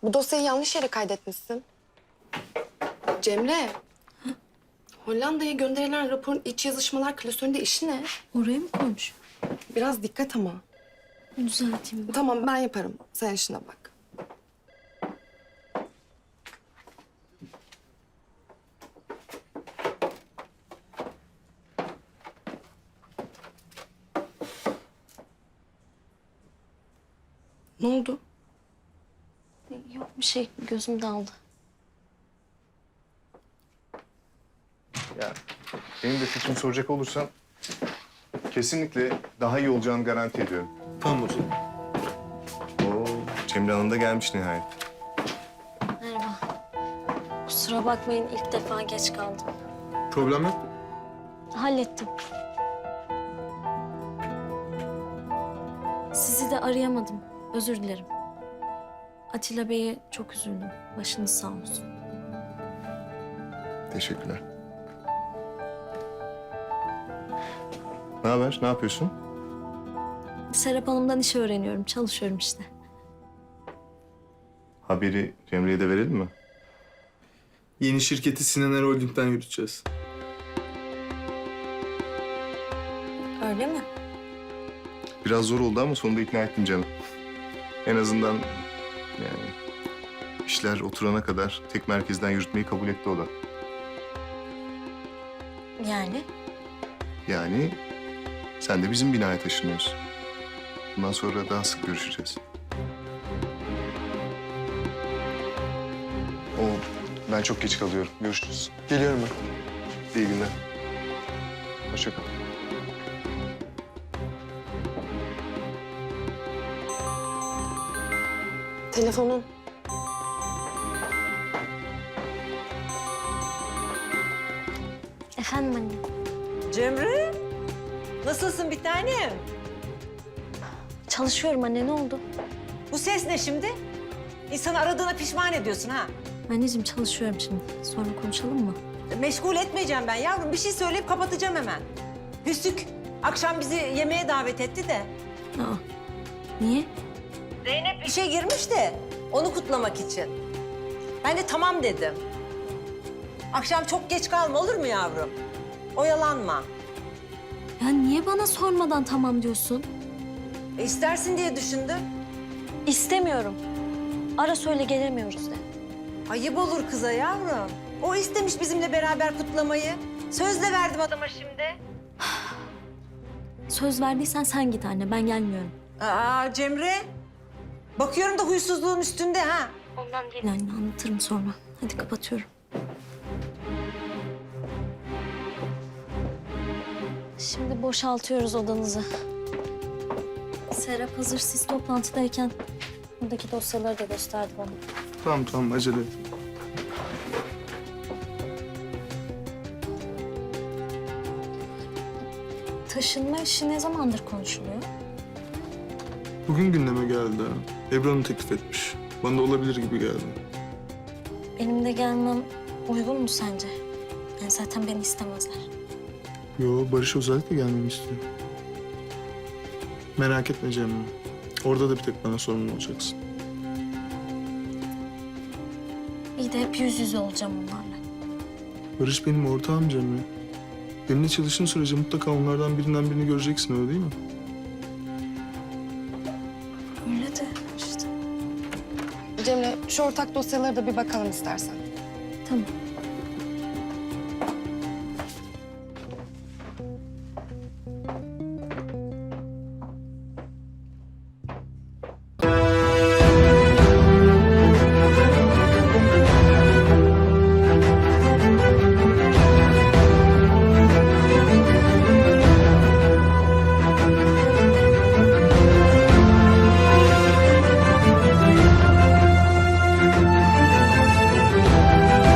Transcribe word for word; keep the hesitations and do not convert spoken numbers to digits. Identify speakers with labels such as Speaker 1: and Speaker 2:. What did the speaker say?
Speaker 1: Bu dosyayı yanlış yere kaydetmişsin. Cemre. Hollanda'ya gönderilen raporun iç yazışmalar klasöründe işi ne?
Speaker 2: Oraya mı koymuş?
Speaker 1: Biraz dikkat ama.
Speaker 2: Düzelteyim ben.
Speaker 1: Tamam ben yaparım. Sen işine bak. Ne oldu?
Speaker 2: Yok bir şey, gözüm daldı.
Speaker 3: Ya benim de fikrimi soracak olursan kesinlikle daha iyi olacağını garanti ediyorum.
Speaker 4: Tamam hocam.
Speaker 3: Oo, Cemre Hanım da gelmiş nihayet.
Speaker 2: Merhaba. Kusura bakmayın, ilk defa geç kaldım.
Speaker 4: Problem yok mu?
Speaker 2: Hallettim. Sizi de arayamadım. Özür dilerim. Atilla Bey'e çok üzüldüm. Başınız sağ olsun.
Speaker 3: Teşekkürler. Ne haber? Ne yapıyorsun?
Speaker 2: Serap Hanım'dan iş öğreniyorum. Çalışıyorum işte.
Speaker 3: Haberi Cemre'ye de verelim mi?
Speaker 4: Yeni şirketi Sinan Er Holding'den yürüteceğiz.
Speaker 2: Öyle mi?
Speaker 3: Biraz zor oldu ama sonunda ikna ettim canım. En azından yani işler oturana kadar tek merkezden yürütmeyi kabul etti o da.
Speaker 2: Yani?
Speaker 3: Yani sen de bizim binaya taşınıyorsun. Bundan sonra daha sık görüşeceğiz. O ben çok geç kalıyorum. Görüşürüz.
Speaker 4: Geliyorum ben.
Speaker 3: İyi günler. Hoşça kal.
Speaker 1: Telefonun.
Speaker 2: Efendim anne.
Speaker 5: Cemre, nasılsın bir tanem?
Speaker 2: Çalışıyorum anne, ne oldu?
Speaker 5: Bu ses ne şimdi? İnsanı aradığına pişman ediyorsun ha.
Speaker 2: Anneciğim çalışıyorum şimdi. Sonra konuşalım mı?
Speaker 5: Meşgul etmeyeceğim ben yavrum. Bir şey söyleyip kapatacağım hemen. Hüsnük akşam bizi yemeğe davet etti de.
Speaker 2: Aa, niye?
Speaker 5: Zeynep işe girmiş de onu kutlamak için. Ben de tamam dedim. Akşam çok geç kalma olur mu yavrum? Oyalanma.
Speaker 2: Ya niye bana sormadan tamam diyorsun?
Speaker 5: E, istersin diye düşündüm.
Speaker 2: İstemiyorum. Ara söyle gelemiyoruz de.
Speaker 5: Ayıp olur kıza yavrum. O istemiş bizimle beraber kutlamayı. Sözle verdim adama şimdi.
Speaker 2: Söz verdiysen sen git anne, ben gelmiyorum.
Speaker 5: Aa Cemre. Bakıyorum da huysuzluğun üstünde ha.
Speaker 2: Ondan değil anne, anlatırım sonra. Hadi kapatıyorum. Şimdi boşaltıyoruz odanızı. Serap hazır siz toplantıdayken buradaki dosyaları da gösterdi bana.
Speaker 4: Tamam tamam acele et.
Speaker 2: Taşınma işi ne zamandır konuşuluyor?
Speaker 4: Bugün gündeme geldi. Ebru Hanım teklif etmiş. Bana da olabilir gibi geldi.
Speaker 2: Benim de gelmem uygun mu sence? Yani zaten beni istemezler.
Speaker 4: Yo, Barış özellikle gelmemi istiyor. Merak etme Cemre. Orada da bir tek bana sorumlu olacaksın.
Speaker 2: İyi de hep yüz yüze olacağım onlarla.
Speaker 4: Barış benim ortağım Cemre. Benimle çalıştığın sürece mutlaka onlardan birinden birini göreceksin, öyle değil mi?
Speaker 2: Öyle de işte.
Speaker 1: Cemre şu ortak dosyalara da bir bakalım istersen.
Speaker 2: Tamam.